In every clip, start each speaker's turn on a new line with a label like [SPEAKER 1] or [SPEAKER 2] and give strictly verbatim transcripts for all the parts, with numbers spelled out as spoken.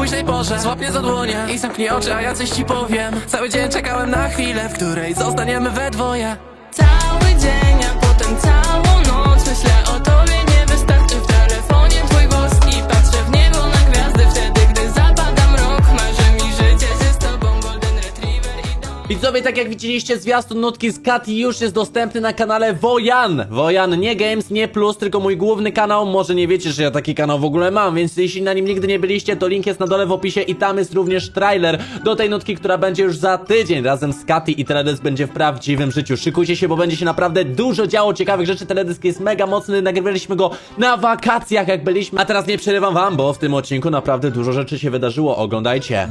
[SPEAKER 1] późnej porze złap mnie za dłonie i zamknij oczy, a ja coś ci powiem. Cały dzień czekałem na chwilę, w której zostaniemy we dwoje. Cały dzień, a potem całą noc myślę o tobie, nie wystarczy w telefonie twój głos i patrzę w niebo na gwiazdy wtedy, gdy zapada mrok. Marzy mi życie się z tobą, golden retriever i dom.
[SPEAKER 2] Widzowie, tak jak widzieliście, zwiastun nutki z Kati już jest dostępny na kanale Wojan. Wojan, nie Games, nie Plus, tylko mój główny kanał. Może nie wiecie, że ja taki kanał w ogóle mam, więc jeśli na nim nigdy nie byliście, to link jest na dole w opisie i tam jest również trailer do tej nutki, która będzie już za tydzień razem z Kati i teledysk będzie w prawdziwym życiu. Szykujcie się, bo będzie się naprawdę dużo działo ciekawych rzeczy. Teledysk jest mega mocny, nagrywaliśmy go na wakacjach, jak byliśmy. A teraz nie przerywam wam, bo w tym odcinku naprawdę dużo rzeczy się wydarzyło. Oglądajcie.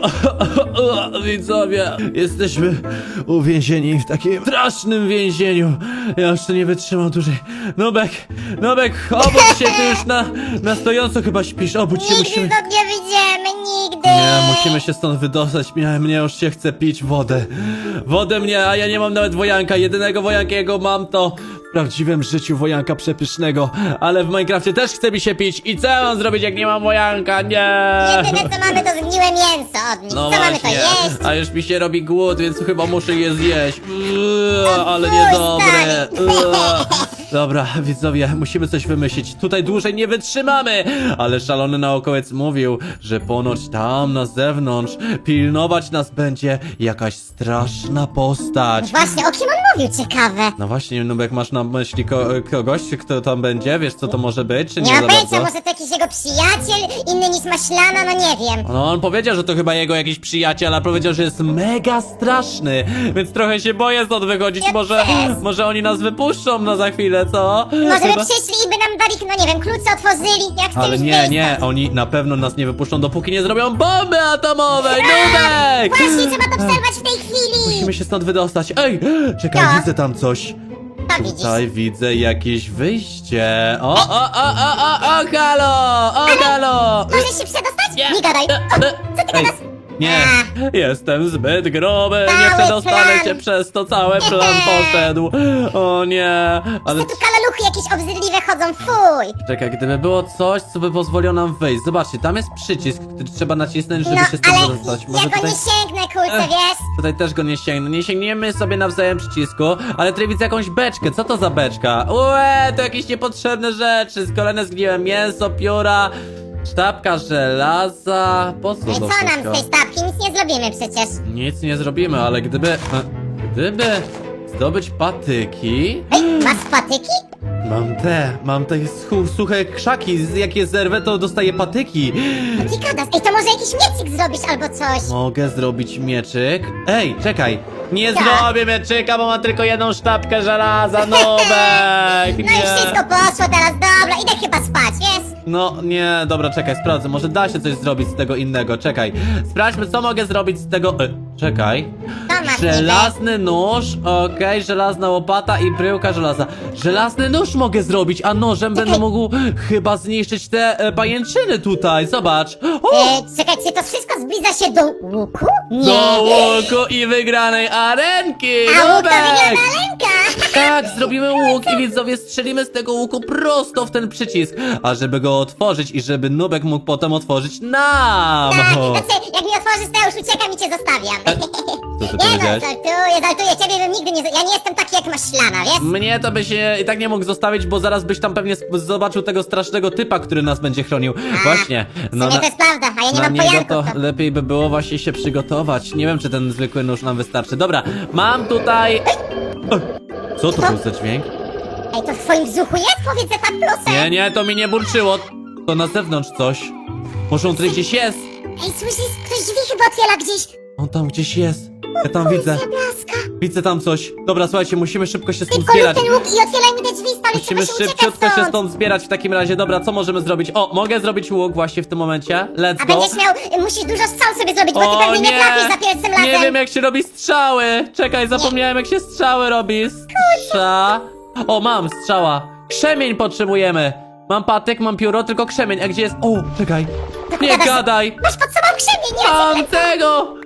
[SPEAKER 2] Widzowie, jesteśmy uwięzieni w takim strasznym więzieniu. Ja już to nie wytrzymam dłużej. Nubek, Nubek, obudź się, ty już na, na stojąco chyba śpisz. Obudź się,
[SPEAKER 3] Nigdy
[SPEAKER 2] musimy...
[SPEAKER 3] stąd nie wyjdziemy, nigdy!
[SPEAKER 2] Nie, musimy się stąd wydostać. Mnie, mnie już się chce pić wodę. Wodę mnie, a ja nie mam nawet wojanka. Jedynego wojanka, jakiego mam, to w prawdziwym życiu wojanka przepysznego. Ale w Minecrafcie też chce mi się pić. I co ja mam zrobić, jak nie mam wojanka? Nie!
[SPEAKER 3] Jedyne co mamy to zgniłe mięso od nich.
[SPEAKER 2] No
[SPEAKER 3] co mamy to
[SPEAKER 2] właśnie,
[SPEAKER 3] jeść?
[SPEAKER 2] a już mi się robi głód, więc chyba muszę je zjeść. Uuu, ale
[SPEAKER 3] fuj,
[SPEAKER 2] niedobre.
[SPEAKER 3] stary.
[SPEAKER 2] Uuu. Dobra, widzowie, musimy coś wymyślić. Tutaj dłużej nie wytrzymamy. Ale szalony naukowiec mówił, że ponoć tam na zewnątrz pilnować nas będzie jakaś straszna postać.
[SPEAKER 3] Właśnie, o kim on mówił, ciekawe.
[SPEAKER 2] No właśnie, Nubek, masz na myśli ko kogoś, kto tam będzie? Wiesz, co to może być, czy nie,
[SPEAKER 3] Nie
[SPEAKER 2] za
[SPEAKER 3] mam pojęcia,
[SPEAKER 2] bardzo?
[SPEAKER 3] może to jakiś jego przyjaciel, inny niż maślana, no nie wiem.
[SPEAKER 2] No on powiedział, że to chyba jego jakiś przyjaciel, ale powiedział, że jest mega straszny, więc trochę się boję stąd wychodzić.
[SPEAKER 3] Ja
[SPEAKER 2] Może,
[SPEAKER 3] też.
[SPEAKER 2] może oni nas wypuszczą na za chwilę, co?
[SPEAKER 3] Może
[SPEAKER 2] Chyba-
[SPEAKER 3] by przyszli i by nam dali, no nie wiem, klucze otworzyli, jak chcemy
[SPEAKER 2] Ale nie, nie, oni na pewno nas nie wypuszczą, dopóki nie zrobią bomby atomowej, Nubek!
[SPEAKER 3] Właśnie, trzeba to przerwać w tej chwili.
[SPEAKER 2] Musimy się stąd wydostać. Ej, czekaj,
[SPEAKER 3] No.
[SPEAKER 2] widzę tam coś.
[SPEAKER 3] To widzisz.
[SPEAKER 2] Tutaj widzę jakieś wyjście. O, o, o, o, o, o, halo! O, halo!
[SPEAKER 3] Możesz się przedostać?
[SPEAKER 2] Nie.
[SPEAKER 3] Nie gadaj.
[SPEAKER 2] E,
[SPEAKER 3] O,
[SPEAKER 2] e,
[SPEAKER 3] co ty
[SPEAKER 2] Ej,
[SPEAKER 3] gadasz?
[SPEAKER 2] nie, jestem zbyt gruby, nie
[SPEAKER 3] Cały
[SPEAKER 2] przedostanę
[SPEAKER 3] plan.
[SPEAKER 2] się, przez to cały plan poszedł. O nie, ale
[SPEAKER 3] Tu kalaluchy jakieś obrzydliwe chodzą, fuj.
[SPEAKER 2] czekaj, gdyby było coś, co by pozwoliło nam wyjść. Zobaczcie, tam jest przycisk, który trzeba nacisnąć, żeby
[SPEAKER 3] No,
[SPEAKER 2] się stąd
[SPEAKER 3] ale
[SPEAKER 2] dostać.
[SPEAKER 3] ja go
[SPEAKER 2] tutaj...
[SPEAKER 3] nie sięgnę, kulce,
[SPEAKER 2] Ech.
[SPEAKER 3] wiesz?
[SPEAKER 2] Tutaj też go nie sięgnę. Nie sięgniemy sobie nawzajem przycisku, ale tutaj widzę jakąś beczkę. Co to za beczka? Ue, to jakieś niepotrzebne rzeczy. Kolejne zgniłe mięso, pióra, sztabka żelaza. Po co
[SPEAKER 3] No i
[SPEAKER 2] to
[SPEAKER 3] co nam
[SPEAKER 2] wszystko?
[SPEAKER 3] z tej stawki? Nic nie zrobimy przecież.
[SPEAKER 2] Nic nie zrobimy, ale gdyby... e, Gdyby zdobyć patyki...
[SPEAKER 3] Ej, masz patyki?
[SPEAKER 2] Mam te, mam te schu- suche krzaki. Z- Jak je zerwę, to dostaję patyki.
[SPEAKER 3] No ty gadasz. Ej, to może jakiś miecyk zrobisz albo coś.
[SPEAKER 2] Mogę zrobić mieczyk? Ej, czekaj! Nie
[SPEAKER 3] Tak.
[SPEAKER 2] zrobię mieczyka, bo mam tylko jedną sztabkę żelaza, Nubek!
[SPEAKER 3] No i
[SPEAKER 2] Nie!
[SPEAKER 3] wszystko poszło teraz, dobra, idę chyba spać, wiesz?
[SPEAKER 2] No, nie, dobra, czekaj, sprawdzę, może da się coś zrobić z tego innego, czekaj. Sprawdźmy, co mogę zrobić z tego... E, czekaj.
[SPEAKER 3] To masz
[SPEAKER 2] Żelazny nóż, okej, żelazna łopata i bryłka żelaza. Żelazny nóż mogę zrobić, a nożem będę mógł chyba zniszczyć te e, pajęczyny tutaj, zobacz. O!
[SPEAKER 3] E, czekaj, czy to wszystko zbliża się do łuku? Nie.
[SPEAKER 2] Do łuku i wygranej arenki!
[SPEAKER 3] A łuk to
[SPEAKER 2] Nubek!
[SPEAKER 3] wygląda lęka.
[SPEAKER 2] Tak, zrobimy łuk i widzowie strzelimy z tego łuku prosto w ten przycisk. A żeby go otworzyć i żeby Nubek mógł potem otworzyć nam!
[SPEAKER 3] Tak,
[SPEAKER 2] O.
[SPEAKER 3] znaczy, jak mi otworzysz, to ja już uciekam i cię zostawiam.
[SPEAKER 2] Co ty
[SPEAKER 3] Nie no,
[SPEAKER 2] powiedziałeś?
[SPEAKER 3] żartuję, żartuję, ciebie bym nigdy nie... z- Ja nie jestem taki jak maślana, wiesz?
[SPEAKER 2] Mnie to by się i tak nie mógł zostawić, bo zaraz byś tam pewnie sp- zobaczył tego strasznego typa, który nas będzie chronił. Właśnie.
[SPEAKER 3] W sumie to jest prawda, a ja nie
[SPEAKER 2] na
[SPEAKER 3] mam
[SPEAKER 2] niego
[SPEAKER 3] pojanków.
[SPEAKER 2] to
[SPEAKER 3] To...
[SPEAKER 2] lepiej by było właśnie się przygotować. Nie wiem, czy ten zwykły nóż nam wystarczy. Dobra, mam tutaj... O, co to był za dźwięk?
[SPEAKER 3] Ej, to w twoim brzuchu jest? Powiedz, że tak proszę.
[SPEAKER 2] Nie, nie, to mi nie burczyło. To na zewnątrz coś. Może on tutaj gdzieś jest.
[SPEAKER 3] Ej, słyszysz? Ktoś drzwi chyba otwiera gdzieś.
[SPEAKER 2] On tam gdzieś jest. Ja tam widzę.
[SPEAKER 3] Blaska.
[SPEAKER 2] Widzę tam coś. Dobra, słuchajcie, musimy szybko się stąd
[SPEAKER 3] Szybko lub
[SPEAKER 2] zbierać.
[SPEAKER 3] ten łuk i otwierajmy te drzwi, stary,
[SPEAKER 2] Musimy
[SPEAKER 3] trzeba się uciekać
[SPEAKER 2] szybciutko się
[SPEAKER 3] stąd.
[SPEAKER 2] stąd zbierać w takim razie. Dobra, co możemy zrobić? O, mogę zrobić łuk właśnie w tym momencie. Let's
[SPEAKER 3] A
[SPEAKER 2] go.
[SPEAKER 3] będziesz miał, musisz dużo strzał sobie zrobić, bo ty
[SPEAKER 2] O
[SPEAKER 3] pewnie nie
[SPEAKER 2] nie!
[SPEAKER 3] trafisz za pierwszym razem.
[SPEAKER 2] Nie wiem, jak się robi strzały. Czekaj, zapomniałem, jak się strzały robi. Strza. O, mam strzała. Krzemień potrzebujemy. Mam patyk, mam pióro, tylko krzemień. A gdzie jest? O, czekaj. Nie
[SPEAKER 3] gadasz?
[SPEAKER 2] gadaj.
[SPEAKER 3] Masz pod sobą krzemień, nie?
[SPEAKER 2] Mam tego!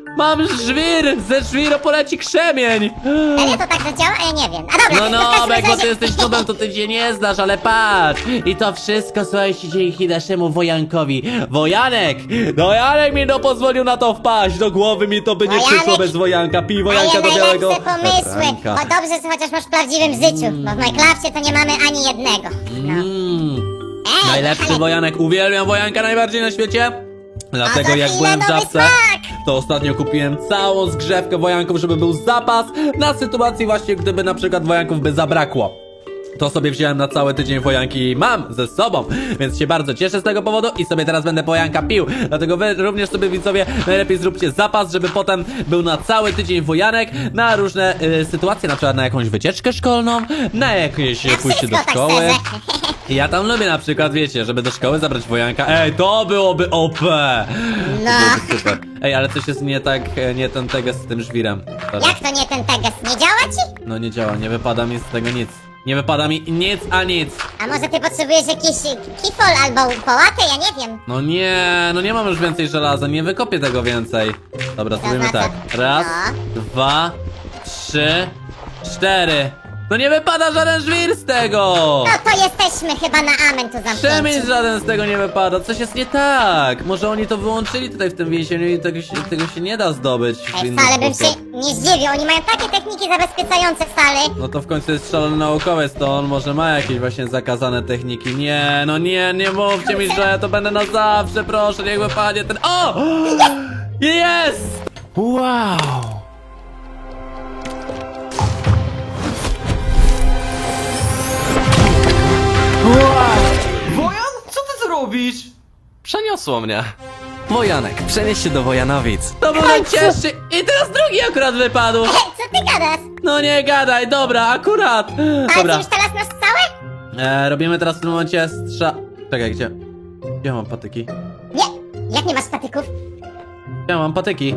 [SPEAKER 2] Mam żwir! Ze żwiru poleci krzemień!
[SPEAKER 3] Serio to tak zadziała? A ja nie wiem. A dobra,
[SPEAKER 2] No
[SPEAKER 3] w każdym
[SPEAKER 2] no, jak bo ty
[SPEAKER 3] razie-
[SPEAKER 2] jesteś nubem, to ty się nie znasz, ale patrz! I to wszystko, słuchajcie, dzięki naszemu Wojankowi. Wojanek! No Janek mi no pozwolił na to wpaść, do głowy mi to by nie
[SPEAKER 3] Wojanek!
[SPEAKER 2] przyszło bez Wojanka. Pij
[SPEAKER 3] Daje
[SPEAKER 2] Wojanka do białego
[SPEAKER 3] najlepsze pomysły.
[SPEAKER 2] ranka.
[SPEAKER 3] O dobrze, że chociaż masz w prawdziwym życiu, bo w Minecrafcie to nie mamy ani jednego. No.
[SPEAKER 2] Mm.
[SPEAKER 3] Ej,
[SPEAKER 2] Najlepszy
[SPEAKER 3] ale...
[SPEAKER 2] Wojanek, uwielbiam Wojanka najbardziej na świecie. Dlatego
[SPEAKER 3] za
[SPEAKER 2] jak
[SPEAKER 3] chwilę
[SPEAKER 2] byłem w
[SPEAKER 3] nowy
[SPEAKER 2] żabce,
[SPEAKER 3] smak!
[SPEAKER 2] to ostatnio kupiłem całą zgrzewkę Wojanków, żeby był zapas na sytuacji właśnie, gdyby na przykład Wojanków by zabrakło. To sobie wziąłem na cały tydzień Wojanki i mam ze sobą, więc się bardzo cieszę z tego powodu i sobie teraz będę Wojanka pił. Dlatego wy również sobie, widzowie, najlepiej zróbcie zapas, żeby potem był na cały tydzień Wojanek na różne y, sytuacje, na przykład na jakąś wycieczkę szkolną, na jakieś
[SPEAKER 3] Na
[SPEAKER 2] pójście do
[SPEAKER 3] wszystko, tak
[SPEAKER 2] szkoły.
[SPEAKER 3] szczerze.
[SPEAKER 2] Ja tam lubię na przykład, wiecie, żeby do szkoły zabrać Wojanka. Ej, to byłoby O P!
[SPEAKER 3] No.
[SPEAKER 2] To byłoby super. Ej, ale coś jest nie tak, e, nie ten teges z tym żwirem. Dobra.
[SPEAKER 3] Jak to nie ten teges? Nie działa ci?
[SPEAKER 2] No nie działa, nie wypada mi z tego nic. Nie wypada mi nic a nic.
[SPEAKER 3] A może ty potrzebujesz jakiś kifol albo połatę? Ja nie wiem.
[SPEAKER 2] No nie, no nie mam już więcej żelaza, nie wykopię tego więcej. Dobra,
[SPEAKER 3] To
[SPEAKER 2] zrobimy
[SPEAKER 3] znaczy-
[SPEAKER 2] tak. Raz,
[SPEAKER 3] No.
[SPEAKER 2] dwa, trzy, cztery. No nie wypada żaden żwir z tego!
[SPEAKER 3] No to jesteśmy chyba na amen tu
[SPEAKER 2] Przemysł
[SPEAKER 3] zamknięci.
[SPEAKER 2] żaden z tego nie wypada, coś jest nie tak. Może oni to wyłączyli tutaj w tym więzieniu i tego się, tego się nie da zdobyć w
[SPEAKER 3] Ej,
[SPEAKER 2] inny
[SPEAKER 3] wcale bym
[SPEAKER 2] sposób.
[SPEAKER 3] się nie zdziwił, oni mają takie techniki zabezpieczające wcale.
[SPEAKER 2] No to w końcu jest szalony naukowiec, to on może ma jakieś właśnie zakazane techniki. Nie, no nie, nie mówcie mi, że ja to będę na zawsze, proszę, niech wypadnie ten... O! Jest! Wow!
[SPEAKER 1] Wojan, co ty tu robisz? Przeniosło mnie. Wojanek, przenieś się do Wojanowic.
[SPEAKER 2] To był najcięższy i teraz drugi akurat wypadł.
[SPEAKER 3] Ej, co ty gadasz?
[SPEAKER 2] No nie gadaj, dobra, akurat.
[SPEAKER 3] Ale ty
[SPEAKER 2] Dobra,
[SPEAKER 3] już teraz masz całe?
[SPEAKER 2] e, robimy teraz w tym momencie strza... Czekaj, gdzie? Gdzie mam patyki?
[SPEAKER 3] Nie, jak nie masz patyków?
[SPEAKER 2] Gdzie mam patyki?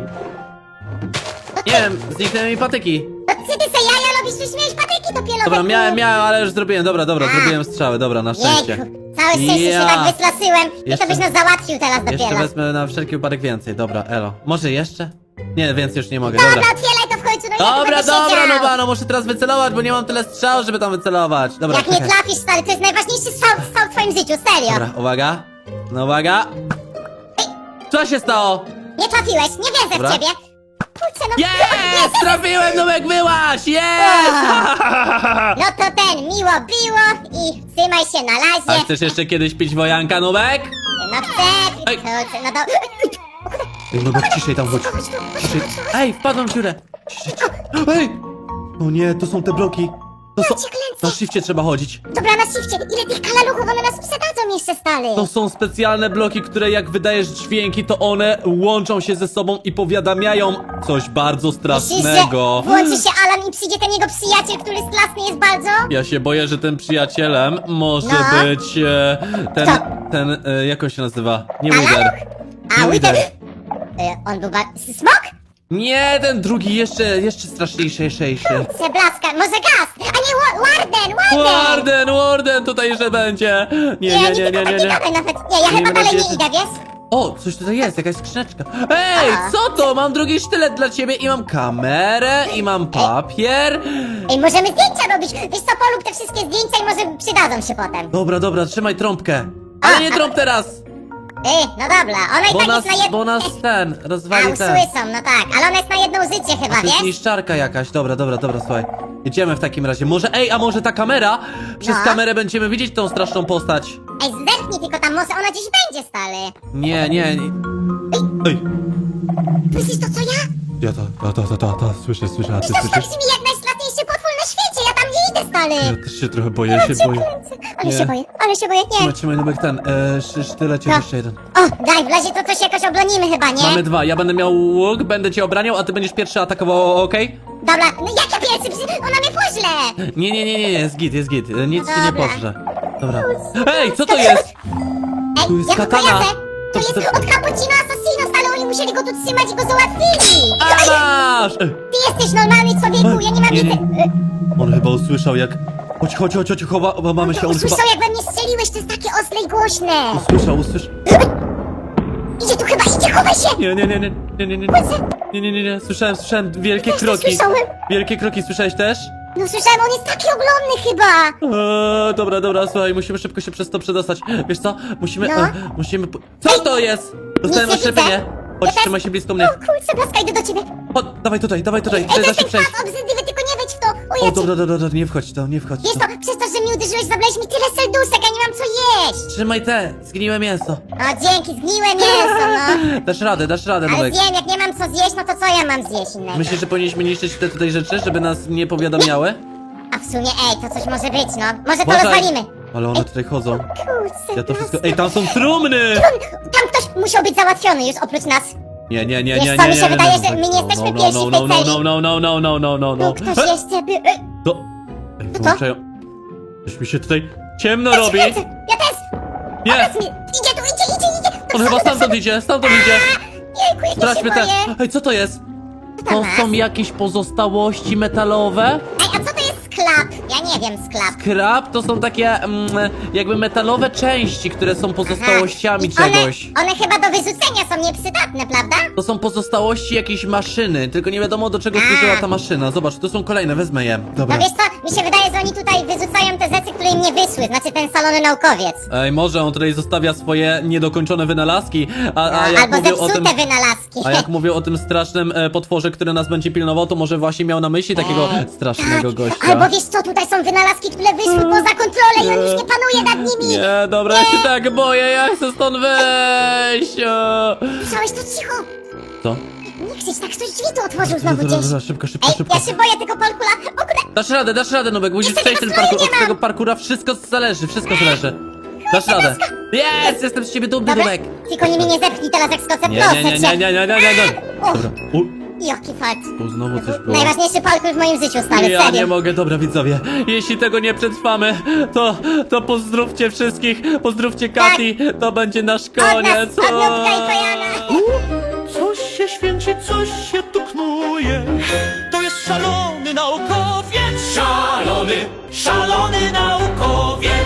[SPEAKER 2] Nie wiem, zniknęły mi patyki.
[SPEAKER 3] No ty ty se jaja robisz, już miałeś patyki dopiero.
[SPEAKER 2] Dobra,
[SPEAKER 3] we
[SPEAKER 2] miałem,
[SPEAKER 3] dwóch.
[SPEAKER 2] miałem, ale już zrobiłem, dobra, dobra,
[SPEAKER 3] A.
[SPEAKER 2] zrobiłem strzały, dobra, na szczęście.
[SPEAKER 3] Jejku, całe szczęście
[SPEAKER 2] Ja.
[SPEAKER 3] się tak wystraszyłem i
[SPEAKER 2] Jeszcze-
[SPEAKER 3] to byś nas załatwił teraz
[SPEAKER 2] Jeszcze
[SPEAKER 3] dopiero.
[SPEAKER 2] wezmę na wszelki wypadek więcej, dobra, elo. Może jeszcze? Nie, więcej już nie mogę,
[SPEAKER 3] Dobra,
[SPEAKER 2] dobra.
[SPEAKER 3] otwieraj to w końcu, no ja tu
[SPEAKER 2] Dobra,
[SPEAKER 3] będę
[SPEAKER 2] dobra,
[SPEAKER 3] siedział.
[SPEAKER 2] no ba, no muszę teraz wycelować, bo nie mam tyle strzał, żeby tam wycelować. Dobra,
[SPEAKER 3] Jak nie
[SPEAKER 2] czekaj.
[SPEAKER 3] trafisz, stary, to jest najważniejszy strzał, strzał w twoim życiu, serio.
[SPEAKER 2] Dobra, uwaga. No uwaga. Co się stało?
[SPEAKER 3] Nie trafiłeś, nie wierzę
[SPEAKER 2] Dobra.
[SPEAKER 3] w ciebie. Kurczę, no...
[SPEAKER 2] Jest! Trafiłem, Nubek, wyłaś! Jest!
[SPEAKER 3] No to ten, miło było i trzymaj się na
[SPEAKER 2] A
[SPEAKER 3] razie.
[SPEAKER 2] chcesz jeszcze kiedyś pić wojanka, Nubek?
[SPEAKER 3] No chcę,
[SPEAKER 2] Ej.
[SPEAKER 3] kurczę, no do...
[SPEAKER 2] Ej, Nubek, ciszej tam chodź. Ciszej. Ej, wpadłem w dziurę. Ciszej, ciszej. Ej! O nie, to są te bloki. To są...
[SPEAKER 3] cię kręcę.
[SPEAKER 2] Na shifcie trzeba chodzić.
[SPEAKER 3] Dobra, na shifcie, ile tych kalaluchów, one nas przydadzą jeszcze, stary.
[SPEAKER 2] To są specjalne bloki, które jak wydajesz dźwięki, to one łączą się ze sobą i powiadamiają coś bardzo
[SPEAKER 3] Myślisz, że
[SPEAKER 2] strasznego.
[SPEAKER 3] włączy się Alan i przyjdzie ten jego przyjaciel, który straszny jest bardzo?
[SPEAKER 2] Ja się boję, że tym przyjacielem może
[SPEAKER 3] No.
[SPEAKER 2] być e, ten,
[SPEAKER 3] Kto?
[SPEAKER 2] ten, e, jak on się nazywa? Nie
[SPEAKER 3] Alan?
[SPEAKER 2] Wither.
[SPEAKER 3] A,
[SPEAKER 2] Nie
[SPEAKER 3] Wither...
[SPEAKER 2] Wither.
[SPEAKER 3] Y, on był ba... Smok?
[SPEAKER 2] Nie, ten drugi jeszcze, jeszcze straszniejszy.
[SPEAKER 3] Przeblaska, może gaz? A nie, Wa- Warden, Warden!
[SPEAKER 2] Warden, Warden tutaj jeszcze będzie. Nie, nie, nie, nie, nie, nie.
[SPEAKER 3] gadaj nawet. Nie, ja
[SPEAKER 2] Nie
[SPEAKER 3] chyba dalej
[SPEAKER 2] będzie-
[SPEAKER 3] nie idę, wiesz?
[SPEAKER 2] O, coś tutaj jest, jakaś skrzyneczka. Ej,
[SPEAKER 3] A.
[SPEAKER 2] co to? Mam drugi sztylet dla ciebie i mam kamerę i mam papier.
[SPEAKER 3] Ej, możemy zdjęcia robić. Wiesz co, polub te wszystkie zdjęcia i może przydadzą się potem.
[SPEAKER 2] Dobra, dobra, trzymaj trąbkę. Ale
[SPEAKER 3] A,
[SPEAKER 2] nie
[SPEAKER 3] a-
[SPEAKER 2] trąb teraz,
[SPEAKER 3] Ej, no dobra, ona i
[SPEAKER 2] bo
[SPEAKER 3] tak
[SPEAKER 2] nas,
[SPEAKER 3] jest na jedno...
[SPEAKER 2] bo nas ten,
[SPEAKER 3] A,
[SPEAKER 2] rozwali ten.
[SPEAKER 3] usłyszą, no tak, ale ona jest na jedno życie chyba,
[SPEAKER 2] To jest
[SPEAKER 3] wiesz?
[SPEAKER 2] niszczarka jakaś, dobra, dobra, dobra, słuchaj. Jedziemy w takim razie. Może, ej, a może ta kamera? Przez
[SPEAKER 3] No.
[SPEAKER 2] kamerę będziemy widzieć tą straszną postać.
[SPEAKER 3] Ej, zerknij tylko tam, może ona gdzieś będzie, stary.
[SPEAKER 2] Nie, nie, nie. Ej,
[SPEAKER 3] Słyszysz to, co ja?
[SPEAKER 2] ja ta, ta, ta, ta, ta, słyszę, słyszę, a ty
[SPEAKER 3] Wiesz, to
[SPEAKER 2] słyszysz?
[SPEAKER 3] brzmi jak najstraszniejszy potwór na świecie, ja tam nie idę, stary.
[SPEAKER 2] Ja też się trochę boję, ja się
[SPEAKER 3] Cię
[SPEAKER 2] boję.
[SPEAKER 3] kręcę. Ale
[SPEAKER 2] Nie.
[SPEAKER 3] się boję, ale się boję, nie.
[SPEAKER 2] Trzymaj, trzymaj, Nubek, ten, e, szy- sztylecie
[SPEAKER 3] No.
[SPEAKER 2] jeszcze jeden.
[SPEAKER 3] O, daj, w razie to coś jakoś oblonimy chyba, nie?
[SPEAKER 2] Mamy dwa, ja będę miał łuk, będę cię obraniał, a ty będziesz pierwszy atakował, okej?
[SPEAKER 3] Dobra, no jak ja pierwszy, przecież ona mnie poźle.
[SPEAKER 2] Nie, nie, nie, nie, jest git, jest git, e, nic
[SPEAKER 3] No
[SPEAKER 2] ci nie
[SPEAKER 3] dobra.
[SPEAKER 2] pożre. Dobra. Ej, co to jest?
[SPEAKER 3] Ej,
[SPEAKER 2] Tu jest
[SPEAKER 3] ja go
[SPEAKER 2] katana.
[SPEAKER 3] kojarzę. To
[SPEAKER 2] To-
[SPEAKER 3] jest
[SPEAKER 2] to-
[SPEAKER 3] od Cappuccino Assassinos, ale oni musieli go tu trzymać i go załatwili.
[SPEAKER 2] A masz! E,
[SPEAKER 3] Ty jesteś normalny człowieku, ja nie mam
[SPEAKER 2] Nie,
[SPEAKER 3] nic...
[SPEAKER 2] nie. On chyba usłyszał jak... Chodź, chodź, chodź, chodź, chowa, mamy się, on chyba...
[SPEAKER 3] Usłyszał jak we mnie strzeliłeś, to jest takie ostre i głośne.
[SPEAKER 2] Usłyszał, usłyszał...
[SPEAKER 3] Idzie tu, tu chyba idzie, chowaj się!
[SPEAKER 2] Nie, nie, nie, nie, nie, nie, nie, nie, nie, nie, nie, słyszałem, słyszałem wielkie
[SPEAKER 3] Też to
[SPEAKER 2] kroki.
[SPEAKER 3] słyszałem.
[SPEAKER 2] Wielkie kroki, słyszałeś też?
[SPEAKER 3] No słyszałem, on jest taki ogromny chyba!
[SPEAKER 2] Eee, dobra, dobra, słuchaj, musimy szybko się przez to przedostać. Wiesz co? Musimy,
[SPEAKER 3] No.
[SPEAKER 2] e, musimy... po- Co to jest? Dostałem
[SPEAKER 3] Nic nie
[SPEAKER 2] oślepienie.
[SPEAKER 3] widzę.
[SPEAKER 2] Chodź,
[SPEAKER 3] Ja też-
[SPEAKER 2] trzymaj się blisko mnie.
[SPEAKER 3] O kurczę, blaska, idę do ciebie!
[SPEAKER 2] Chodź, dawaj tutaj, dawaj tutaj,
[SPEAKER 3] Ej,
[SPEAKER 2] tutaj
[SPEAKER 3] to
[SPEAKER 2] da
[SPEAKER 3] jest
[SPEAKER 2] się
[SPEAKER 3] ten
[SPEAKER 2] przejść.
[SPEAKER 3] pas obrzydliwy, tylko nie wejdź w to! O,
[SPEAKER 2] O,
[SPEAKER 3] ja
[SPEAKER 2] dobra, dobra, dobra, nie wchodź w to, nie wchodź w
[SPEAKER 3] Wiesz
[SPEAKER 2] to.
[SPEAKER 3] to, przez to, że mnie uderzyłeś, zabrałeś mi tyle serduszek, ja nie mam co jeść!
[SPEAKER 2] Trzymaj te, zgniłe mięso.
[SPEAKER 3] O, dzięki, zgniłe mięso, no!
[SPEAKER 2] Dasz radę, dasz radę,
[SPEAKER 3] Ale
[SPEAKER 2] Nubek.
[SPEAKER 3] zjem, jak nie mam co zjeść, no to co ja mam zjeść innego?
[SPEAKER 2] Myślisz, że powinniśmy niszczyć te tutaj rzeczy, żeby nas nie powiadamiały?
[SPEAKER 3] A w sumie, ej, to coś może być, no. Może to
[SPEAKER 2] Uważaj.
[SPEAKER 3] rozwalimy.
[SPEAKER 2] Ale one tutaj chodzą.
[SPEAKER 3] Kurczę,
[SPEAKER 2] Ja to wszystko...
[SPEAKER 3] blaska.
[SPEAKER 2] Ej, tam są trumny!
[SPEAKER 3] Tam ktoś musiał być załatwiony już oprócz nas.
[SPEAKER 2] Nie, nie, nie,
[SPEAKER 3] Wiesz
[SPEAKER 2] nie, nie,
[SPEAKER 3] co,
[SPEAKER 2] nie,
[SPEAKER 3] mi się
[SPEAKER 2] nie,
[SPEAKER 3] wydaje,
[SPEAKER 2] nie,
[SPEAKER 3] że
[SPEAKER 2] nie,
[SPEAKER 3] my nie
[SPEAKER 2] no,
[SPEAKER 3] jesteśmy
[SPEAKER 2] no,
[SPEAKER 3] pierwsi
[SPEAKER 2] no,
[SPEAKER 3] w
[SPEAKER 2] no,
[SPEAKER 3] tej
[SPEAKER 2] no,
[SPEAKER 3] celi.
[SPEAKER 2] no, no, no, no, no, no, no,
[SPEAKER 3] No,
[SPEAKER 2] no.
[SPEAKER 3] ktoś jeszcze by... Ej,
[SPEAKER 2] To... Ej, wyłączają... Coś mi się tutaj ciemno
[SPEAKER 3] ja
[SPEAKER 2] robi.
[SPEAKER 3] się kręcę, ja też!
[SPEAKER 2] Nie!
[SPEAKER 3] Teraz mi... Idzie tu, idzie, idzie, idzie! Do
[SPEAKER 2] On chyba
[SPEAKER 3] przodu, do
[SPEAKER 2] stamtąd
[SPEAKER 3] przodu.
[SPEAKER 2] idzie, stamtąd idzie.
[SPEAKER 3] Jejku, jak ja się
[SPEAKER 2] Sprawdźmy te...
[SPEAKER 3] boję.
[SPEAKER 2] Ej, co to jest?
[SPEAKER 3] Co
[SPEAKER 2] To
[SPEAKER 3] tam masz?
[SPEAKER 2] są jakieś pozostałości metalowe?
[SPEAKER 3] Ej, a co to jest sklap? Ja nie wiem, sklap.
[SPEAKER 2] Krab to są takie mm, jakby metalowe części, które są pozostałościami
[SPEAKER 3] I one,
[SPEAKER 2] czegoś.
[SPEAKER 3] one chyba do wyrzucenia są nieprzydatne, prawda?
[SPEAKER 2] To są pozostałości jakiejś maszyny, tylko nie wiadomo do czego służyła ta maszyna. Zobacz, tu są kolejne, wezmę je. Dobra.
[SPEAKER 3] No wiesz co, mi się wydaje, że oni tutaj wyrzucają te rzeczy, które im nie wyszły, znaczy ten salony naukowiec.
[SPEAKER 2] Ej, może on tutaj zostawia swoje niedokończone wynalazki, a, a jak
[SPEAKER 3] Albo
[SPEAKER 2] mówił o
[SPEAKER 3] zepsute
[SPEAKER 2] tym...
[SPEAKER 3] wynalazki.
[SPEAKER 2] A jak mówił o tym strasznym e, potworze, który nas będzie pilnował, to może właśnie miał na myśli takiego strasznego gościa.
[SPEAKER 3] Tak. Albo wiesz co, tutaj są wynalazki, które wyszły poza kontrolę i on już nie panuje nad nimi.
[SPEAKER 2] Nie, dobra, ja się tak boję, ja chcę stąd wyjść. o.
[SPEAKER 3] Słyszałeś to cicho?
[SPEAKER 2] Co?
[SPEAKER 3] Nie krzycz, tak ktoś drzwi tu otworzył
[SPEAKER 2] Dobra,
[SPEAKER 3] znowu
[SPEAKER 2] dobra,
[SPEAKER 3] gdzieś.
[SPEAKER 2] dobra, szybko, szybko,
[SPEAKER 3] Ej,
[SPEAKER 2] szybko.
[SPEAKER 3] ja się boję tego parkura. O kurde,
[SPEAKER 2] Dasz radę, dasz radę, Nubek, musisz
[SPEAKER 3] Jeszcze
[SPEAKER 2] przejść
[SPEAKER 3] tego
[SPEAKER 2] ten parkour,
[SPEAKER 3] stroju nie
[SPEAKER 2] od
[SPEAKER 3] mam.
[SPEAKER 2] tego parkura wszystko zależy, wszystko zależy. Dasz radę. Jest, jestem z ciebie dumny,
[SPEAKER 3] dobra.
[SPEAKER 2] Nubek.
[SPEAKER 3] Tylko nie mnie nie zepchnij teraz jak skoczę,
[SPEAKER 2] Nie,
[SPEAKER 3] proszę
[SPEAKER 2] nie, nie, nie,
[SPEAKER 3] cię.
[SPEAKER 2] nie, nie, nie, nie, nie.
[SPEAKER 3] Och.
[SPEAKER 2] Dobra, u,
[SPEAKER 3] Jaki fart.
[SPEAKER 2] tu znowu coś było.
[SPEAKER 3] Najważniejszy parkour w moim życiu, stary,
[SPEAKER 2] Ja
[SPEAKER 3] serio.
[SPEAKER 2] nie mogę, dobra widzowie, jeśli tego nie przetrwamy, to, to pozdrówcie wszystkich, pozdrówcie Kati, to będzie nasz
[SPEAKER 3] Od nas,
[SPEAKER 2] koniec.
[SPEAKER 3] od Nutka i Pojana.
[SPEAKER 4] Coś się święci, coś się tu knuje. To jest szalony naukowiec. Szalony, szalony naukowiec.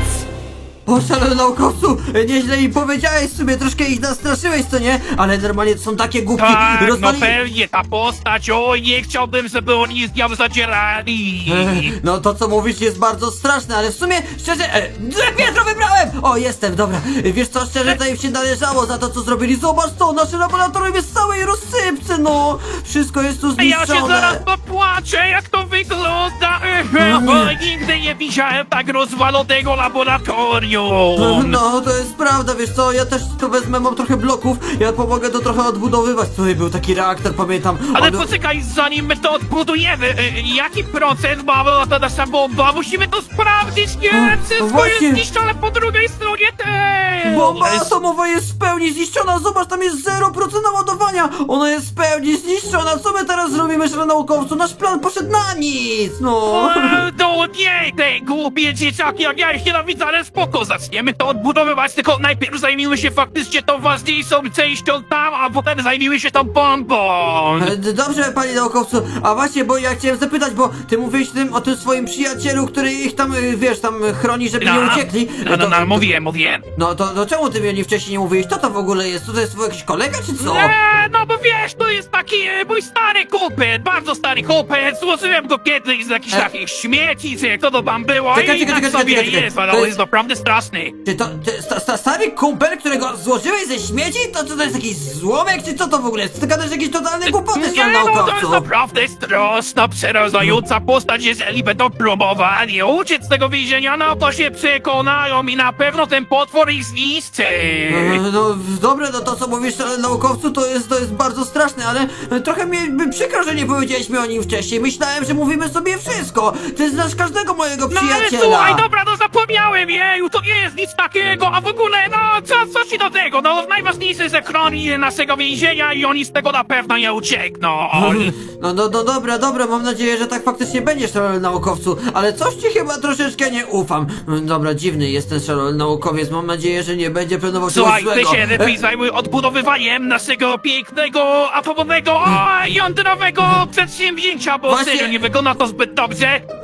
[SPEAKER 5] O, szalony naukowcu, nieźle im powiedziałeś sobie, troszkę ich nastraszyłeś, co nie? Ale normalnie to są takie głupki,
[SPEAKER 4] Tak, no
[SPEAKER 5] rozwali...
[SPEAKER 4] pewnie, ta postać, oj, nie chciałbym, żeby oni z nią zadzierali.
[SPEAKER 5] No to co mówisz jest bardzo straszne, ale w sumie szczerze... E, złe piętro wybrałem! O, jestem, dobra. Wiesz co, szczerze to im się należało za to co zrobili. Zobacz to, nasze laboratorium jest w całej rozsypce, no! Wszystko jest tu
[SPEAKER 4] Ja się
[SPEAKER 5] zniszczone.
[SPEAKER 4] zaraz popłaczę, jak to wygląda. Bo nigdy nie widziałem tak rozwalonego laboratorium.
[SPEAKER 5] No, to jest prawda, wiesz co, ja też to wezmę, mam trochę bloków, ja pomogę to trochę odbudowywać. Tutaj był taki reaktor, pamiętam.
[SPEAKER 4] Ale
[SPEAKER 5] On-
[SPEAKER 4] poczekaj, zanim my to odbudujemy, y, jaki procent ma ta nasza bomba? Musimy to sprawdzić, nie?
[SPEAKER 5] No
[SPEAKER 4] Wszystko
[SPEAKER 5] właśnie.
[SPEAKER 4] jest zniszczone po drugiej stronie też!
[SPEAKER 5] Bomba
[SPEAKER 4] Jest-
[SPEAKER 5] atomowa jest w pełni zniszczona, zobacz, tam jest zero procent naładowania. Ona jest w pełni zniszczona, co my teraz zrobimy, szanowny naukowcu? Nasz plan poszedł na nic, no.
[SPEAKER 4] Eee, No nie, te głupie dzieciaki, jak ja ich nienawidzę, ale spoko, zaczniemy to odbudowywać, tylko najpierw zajmijmy się faktycznie tą ważniejszą częścią tam, a potem zajmijmy się tą bombą!
[SPEAKER 5] E, d- Dobrze, panie naukowcu, a właśnie, bo ja chciałem zapytać, bo ty mówiłeś tym, o tym swoim przyjacielu, który ich tam, y, wiesz, tam chroni, żeby nie uciekli.
[SPEAKER 4] No, no,
[SPEAKER 5] To-
[SPEAKER 4] no, mówiłem, mówiłem.
[SPEAKER 5] No to, to czemu ty mnie wcześniej nie mówiłeś? Co to w ogóle jest? Co to jest twój jakiś kolega, czy co?
[SPEAKER 4] Eee, no bo wiesz, to jest taki e, mój stary kupet, bardzo stary kupet, złożyłem go kiedyś z jakichś
[SPEAKER 5] E?
[SPEAKER 4] takich śmieci, czy jak to to tam było
[SPEAKER 5] Czekaj,
[SPEAKER 4] i
[SPEAKER 5] czekaj,
[SPEAKER 4] tak
[SPEAKER 5] czekaj,
[SPEAKER 4] sobie
[SPEAKER 5] czekaj, czekaj.
[SPEAKER 4] jest, ale
[SPEAKER 5] To
[SPEAKER 4] on
[SPEAKER 5] jest-
[SPEAKER 4] jest naprawdę straszny.
[SPEAKER 5] Czy to, ty, sta, sta, stary kumpel, którego złożyłeś ze śmieci? To co to jest jakiś złomek, czy co to w ogóle jest? Ty gadasz jakieś totalne głupoty,
[SPEAKER 4] Nie,
[SPEAKER 5] szanowny
[SPEAKER 4] no to jest
[SPEAKER 5] naukowcu.
[SPEAKER 4] naprawdę straszna, przerażająca postać, jeżeli będą próbowali uciec z tego więzienia, no to się przekonają i na pewno ten potwór ich zniszczy.
[SPEAKER 5] E, No dobre, no to co mówisz, szanowny naukowcu, to jest, to jest bardzo straszne, ale e, trochę mi by przykro, że nie powiedzieliśmy o nim wcześniej. Myślałem, że mówimy sobie wszystko. Ty znasz każdego mojego
[SPEAKER 4] No ale
[SPEAKER 5] przyjaciela.
[SPEAKER 4] słuchaj, dobra, no zapomniałem, jeju, to nie jest nic takiego, a w ogóle, no co, co ci do tego, no najważniejsze jest, że chroni naszego więzienia i oni z tego na pewno nie uciekną.
[SPEAKER 5] No, no, no dobra, dobra, mam nadzieję, że tak faktycznie będzie, szalony naukowcu, ale coś ci chyba troszeczkę nie ufam. Mm, Dobra, dziwny jest ten szalony naukowiec, mam nadzieję, że nie będzie planował czegoś
[SPEAKER 4] Słuchaj, ty
[SPEAKER 5] złego.
[SPEAKER 4] się lepiej
[SPEAKER 5] E,
[SPEAKER 4] zajmuj odbudowywaniem naszego pięknego, atomowego, a jądrowego przedsięwzięcia, bo
[SPEAKER 5] Właśnie-
[SPEAKER 4] serio nie wygląda to zbyt dobrze.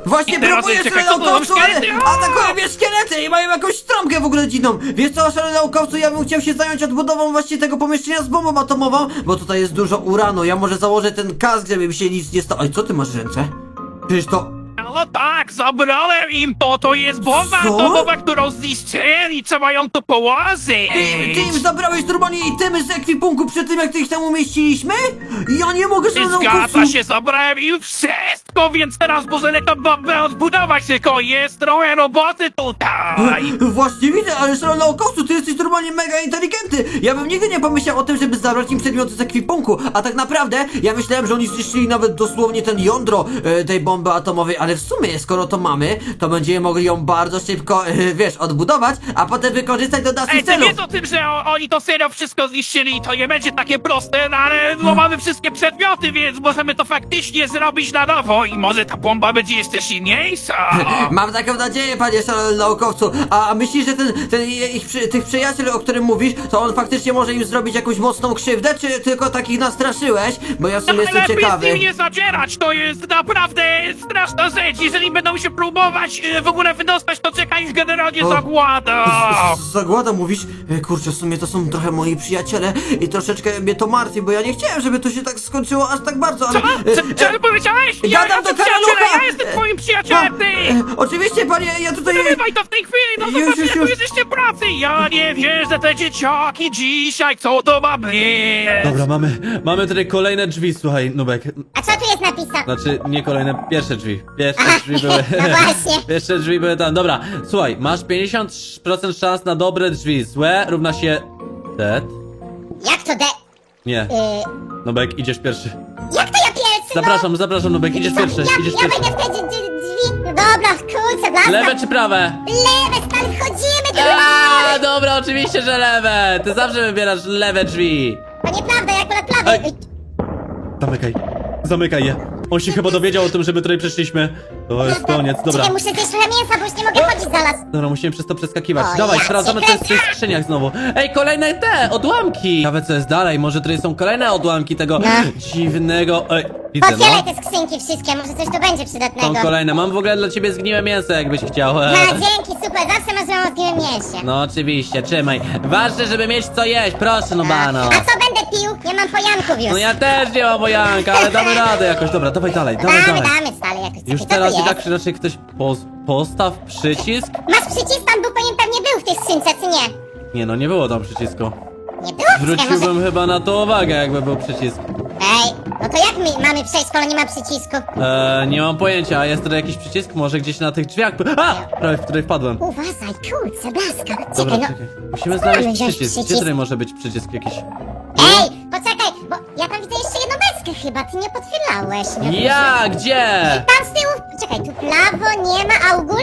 [SPEAKER 5] Właśnie
[SPEAKER 4] I teraz
[SPEAKER 5] próbuję
[SPEAKER 4] czekaj,
[SPEAKER 5] szalony
[SPEAKER 4] co to za
[SPEAKER 5] naukowcu, ale
[SPEAKER 4] szkielety? O!
[SPEAKER 5] atakują mnie szkielety i mają jakąś trąbkę w ogóle dziwną. Wiesz co, szalony naukowcu, ja bym chciał się zająć odbudową właśnie tego pomieszczenia z bombą atomową, bo tutaj jest dużo uranu. Ja może założę ten kask, żeby mi się nic nie stało. Oj, co ty masz w ręce? Przecież to...
[SPEAKER 4] No tak, zabrałem im to, to jest bomba
[SPEAKER 5] Co?
[SPEAKER 4] atomowa, którą zniszczyli, trzeba ją tu położyć.
[SPEAKER 5] Ty, ty im zabrałeś normalnie itemy z ekwipunku przed tym, jak ty ich tam umieściliśmy? Ja nie mogę, szalony naukowcu.
[SPEAKER 4] Zgadza się, zabrałem im wszystko, więc teraz możemy tę bombę odbudować, tylko jest trochę roboty tutaj.
[SPEAKER 5] Właśnie widzę, ale szalony naukowcu, ty jesteś normalnie mega inteligentny. Ja bym nigdy nie pomyślał o tym, żeby zabrać im przedmioty z ekwipunku. A tak naprawdę, ja myślałem, że oni zniszczyli nawet dosłownie ten jądro e, tej bomby atomowej, ale w sumie, skoro to mamy, to będziemy mogli ją bardzo szybko, e, wiesz, odbudować, a potem wykorzystać do naszych
[SPEAKER 4] Ej, ty
[SPEAKER 5] celów.
[SPEAKER 4] wiesz o tym, że o, oni to serio wszystko zniszczyli i to nie będzie takie proste, no ale no, mamy wszystkie przedmioty, więc możemy to faktycznie zrobić na nowo i może ta bomba będzie jeszcze silniejsza.
[SPEAKER 5] Mam taką nadzieję, panie szalony naukowcu. A myślisz, że ten, ten ich, przy- tych przyjaciel, o którym mówisz, to on faktycznie może im zrobić jakąś mocną krzywdę, czy tylko takich nastraszyłeś? Bo ja w sumie jestem
[SPEAKER 4] Lepiej z
[SPEAKER 5] ciekawy.
[SPEAKER 4] nim nie zadzierać, to jest naprawdę straszna rzecz. Jeżeli będą się próbować e, w ogóle wydostać, to czeka ich generalnie
[SPEAKER 5] O.
[SPEAKER 4] zagłada.
[SPEAKER 5] Z- z- Zagłada mówisz? E, Kurczę, w sumie to są trochę moi przyjaciele i troszeczkę mnie to martwi, bo ja nie chciałem, żeby to się tak skończyło aż tak bardzo, ale...
[SPEAKER 4] Co?
[SPEAKER 5] e,
[SPEAKER 4] Co, co powiedziałeś? Ja
[SPEAKER 5] gadam
[SPEAKER 4] jestem
[SPEAKER 5] do
[SPEAKER 4] przyjacielem,
[SPEAKER 5] karalucha!
[SPEAKER 4] ja jestem twoim przyjacielem, ty!
[SPEAKER 5] e, Oczywiście, panie, ja tutaj...
[SPEAKER 4] Wyrywaj to w tej chwili, no
[SPEAKER 5] Już,
[SPEAKER 4] zobacz,
[SPEAKER 5] już,
[SPEAKER 4] jak tu
[SPEAKER 5] już.
[SPEAKER 4] jesteście pracy! Ja nie wierzę, te dzieciaki dzisiaj, co to ma być?
[SPEAKER 2] Dobra, mamy, mamy tutaj kolejne drzwi, słuchaj, Nubek.
[SPEAKER 3] A co tu jest napisane?
[SPEAKER 2] Znaczy, nie kolejne, pierwsze drzwi. Pierwsze
[SPEAKER 3] Aha,
[SPEAKER 2] drzwi były...
[SPEAKER 3] no właśnie.
[SPEAKER 2] Pierwsze drzwi były tam. Dobra, słuchaj, masz pięćdziesiąt procent szans na dobre drzwi. Złe równa się... Dead?
[SPEAKER 3] Jak to de...
[SPEAKER 2] Nie.
[SPEAKER 3] Yy,
[SPEAKER 2] Nubek, idziesz pierwszy.
[SPEAKER 3] jak to ja pierwszy,
[SPEAKER 2] Zapraszam, zapraszam, Nubek, idziesz
[SPEAKER 3] no?
[SPEAKER 2] pierwszy,
[SPEAKER 3] ja,
[SPEAKER 2] idziesz
[SPEAKER 3] ja
[SPEAKER 2] pierwszy.
[SPEAKER 3] wejdę w te drzwi, drzwi. No dobra, kurczę, blaska.
[SPEAKER 2] Lewe czy prawe?
[SPEAKER 3] Lewe, stary, wchodzimy do
[SPEAKER 2] A, dobra, oczywiście, że lewe. Ty zawsze wybierasz lewe drzwi.
[SPEAKER 3] To nieprawda, ja akurat prawie.
[SPEAKER 2] Ej. Zamykaj. Zamykaj je. On się chyba dowiedział o tym, że my tutaj przyszliśmy. To jest koniec, dobra.
[SPEAKER 3] Czekaj, muszę zjeść trochę mięsa, bo już nie mogę chodzić zaraz.
[SPEAKER 2] Dobra, musimy przez to przeskakiwać.
[SPEAKER 3] O,
[SPEAKER 2] Dawaj,
[SPEAKER 3] ja
[SPEAKER 2] sprawdzamy,
[SPEAKER 3] cię
[SPEAKER 2] co jest w tych
[SPEAKER 3] kręcę.
[SPEAKER 2] skrzyniach znowu. Ej, kolejne te, odłamki! Ciekawe, co jest dalej. Może tutaj są kolejne odłamki tego
[SPEAKER 3] No.
[SPEAKER 2] dziwnego... Ej, widzę,
[SPEAKER 3] Otwieraj
[SPEAKER 2] no.
[SPEAKER 3] te skrzynki wszystkie, może coś tu będzie przydatnego.
[SPEAKER 2] Są kolejne. Mam w ogóle dla ciebie zgniłe mięso, jakbyś chciał.
[SPEAKER 3] Ha, dzięki, super, zawsze masz złą zgniłym mięsie.
[SPEAKER 2] No oczywiście, trzymaj. Ważne, żeby mieć co jeść, proszę, no bano.
[SPEAKER 3] A co będę pił? Nie mam pojanków już.
[SPEAKER 2] No ja też nie mam wojanka, ale damy radę jakoś. Dobra, dawaj dalej, dawaj,
[SPEAKER 3] damy,
[SPEAKER 2] dawaj.
[SPEAKER 3] damy, stary, jakoś.
[SPEAKER 2] Już
[SPEAKER 3] Co
[SPEAKER 2] teraz
[SPEAKER 3] to
[SPEAKER 2] i
[SPEAKER 3] jest?
[SPEAKER 2] tak czy raczej ktoś poz postaw przycisk?
[SPEAKER 3] Masz przycisk, tam był powinien pewnie był w tej skrzynce, czy nie?
[SPEAKER 2] Nie no, nie było tam przycisku.
[SPEAKER 3] Nie było? Czekaj, może...
[SPEAKER 2] Zwróciłbym chyba na to uwagę, jakby był przycisk.
[SPEAKER 3] Ej, no to jak my mamy przejść, skoro nie ma przycisku?
[SPEAKER 2] Eee, nie mam pojęcia, a jest tutaj jakiś przycisk? Może gdzieś na tych drzwiach? A! Prawie w której wpadłem.
[SPEAKER 3] Uważaj, kurczę, blaska.
[SPEAKER 2] Dobra,
[SPEAKER 3] Czekaj, no...
[SPEAKER 2] czekaj. Musimy
[SPEAKER 3] Spróbujmy
[SPEAKER 2] znaleźć
[SPEAKER 3] wziąć
[SPEAKER 2] przycisk. Gdzie
[SPEAKER 3] przycisk.
[SPEAKER 2] tutaj może być przycisk jakiś?
[SPEAKER 3] Ej, poczekaj, bo ja tam widzę jeszcze jedną beskę chyba, ty nie potwierdzałeś. Nie?
[SPEAKER 2] Ja! Gdzie?
[SPEAKER 3] Tam z tyłu, czekaj, tu prawo nie ma, a u góry?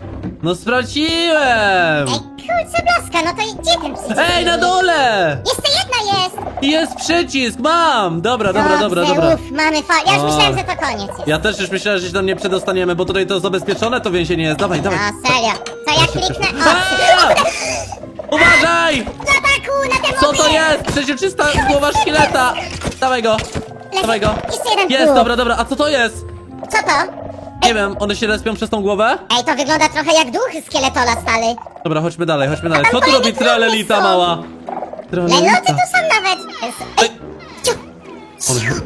[SPEAKER 2] No sprawdziłem!
[SPEAKER 3] Ej, kurczę, blaska, no to i- gdzie ten przycisk?
[SPEAKER 2] Ej, na dole!
[SPEAKER 3] Jeszcze jedna jest!
[SPEAKER 2] Jest przycisk, mam! Dobra, dobra, dobra,
[SPEAKER 3] Dobrze,
[SPEAKER 2] dobra.
[SPEAKER 3] Uf, mamy fa... Ja już
[SPEAKER 2] O.
[SPEAKER 3] myślałem, że to koniec jest.
[SPEAKER 2] Ja też już myślałem, że się tam nie przedostaniemy, bo tutaj to zabezpieczone to więzienie jest. Dawaj, dawaj.
[SPEAKER 3] No, serio. Co ja kliknę? O,
[SPEAKER 2] A! Uważaj!
[SPEAKER 3] ataku na te
[SPEAKER 2] Co
[SPEAKER 3] moby!
[SPEAKER 2] to jest? Przeźroczysta głowa szkieleta! Dawaj go! Dawaj go!
[SPEAKER 3] Jeszcze jeden
[SPEAKER 2] Jest,
[SPEAKER 3] próg.
[SPEAKER 2] dobra, dobra, a co to jest?
[SPEAKER 3] Co to?
[SPEAKER 2] Nie wiem, one się respią przez tą głowę?
[SPEAKER 3] Ej, to wygląda trochę jak duch skeletola, stary.
[SPEAKER 2] Dobra, chodźmy dalej, chodźmy dalej.
[SPEAKER 3] tam
[SPEAKER 2] Co tu
[SPEAKER 3] kolejne
[SPEAKER 2] robi tralelita
[SPEAKER 3] próby są.
[SPEAKER 2] mała?
[SPEAKER 3] Lejloty
[SPEAKER 2] Tralelita.
[SPEAKER 3] tu są nawet. Ej, ciu,
[SPEAKER 2] On,
[SPEAKER 3] ciu,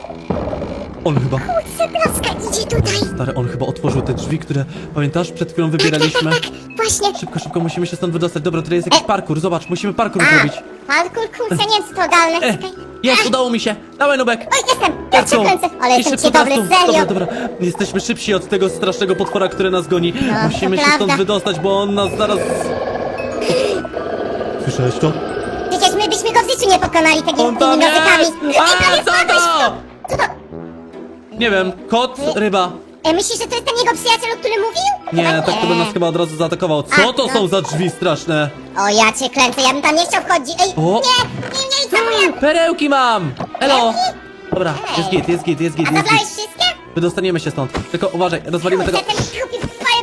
[SPEAKER 2] on chyba,
[SPEAKER 3] kurczę, blaska, idzie tutaj.
[SPEAKER 2] stary, on chyba otworzył te drzwi, które, pamiętasz, przed chwilą
[SPEAKER 3] Tak, tak, tak,
[SPEAKER 2] wybieraliśmy?
[SPEAKER 3] tak, właśnie.
[SPEAKER 2] Szybko, szybko, musimy się stąd wydostać. Dobra, tutaj jest jakiś
[SPEAKER 3] E.
[SPEAKER 2] parkour, zobacz, musimy parkour
[SPEAKER 3] A,
[SPEAKER 2] zrobić.
[SPEAKER 3] parkour, kurczę, nie wiem, co to ogarnę.
[SPEAKER 2] E,
[SPEAKER 3] Czekaj.
[SPEAKER 2] jest, udało mi się. Dawaj, Nubek.
[SPEAKER 3] Oj, jestem, ja
[SPEAKER 2] Let's
[SPEAKER 3] cię
[SPEAKER 2] go.
[SPEAKER 3] kręcę. Ale
[SPEAKER 2] I
[SPEAKER 3] jestem
[SPEAKER 2] szybko
[SPEAKER 3] ci dobry,
[SPEAKER 2] teraz tu.
[SPEAKER 3] serio.
[SPEAKER 2] Dobra, dobra. Jesteśmy szybsi od tego strasznego potwora, który nas goni.
[SPEAKER 3] No,
[SPEAKER 2] Musimy
[SPEAKER 3] to
[SPEAKER 2] się stąd
[SPEAKER 3] prawda.
[SPEAKER 2] wydostać, bo on nas zaraz... Słyszałeś to?
[SPEAKER 3] Przecież my byśmy go w życiu nie pokonali tymi,
[SPEAKER 2] On
[SPEAKER 3] tymi
[SPEAKER 2] tam
[SPEAKER 3] nowykami.
[SPEAKER 2] jest!
[SPEAKER 3] Ej,
[SPEAKER 2] A,
[SPEAKER 3] prawie
[SPEAKER 2] co
[SPEAKER 3] wpadłeś w
[SPEAKER 2] to?
[SPEAKER 3] Co to?
[SPEAKER 2] Nie wiem, kot, ryba.
[SPEAKER 3] E, myślisz, że to jest ten jego przyjaciel, o którym mówił?
[SPEAKER 2] Nie,
[SPEAKER 3] Chyba
[SPEAKER 2] tak to by nas chyba od razu zaatakował. Co
[SPEAKER 3] A,
[SPEAKER 2] to
[SPEAKER 3] no.
[SPEAKER 2] są za drzwi straszne?
[SPEAKER 3] O, ja cię kręcę, ja bym tam nie chciał wchodzić. Ej,
[SPEAKER 2] O.
[SPEAKER 3] nie, nie, nie, co moja...
[SPEAKER 2] Perełki mam! Elo!
[SPEAKER 3] Perełki?
[SPEAKER 2] Dobra, jest git, jest git, jest git,
[SPEAKER 3] A
[SPEAKER 2] jest
[SPEAKER 3] zabrałeś
[SPEAKER 2] git.
[SPEAKER 3] wszystkie?
[SPEAKER 2] Wydostaniemy się stąd. Tylko uważaj, rozwalimy tego...
[SPEAKER 3] Kurczę, ten głupi pająk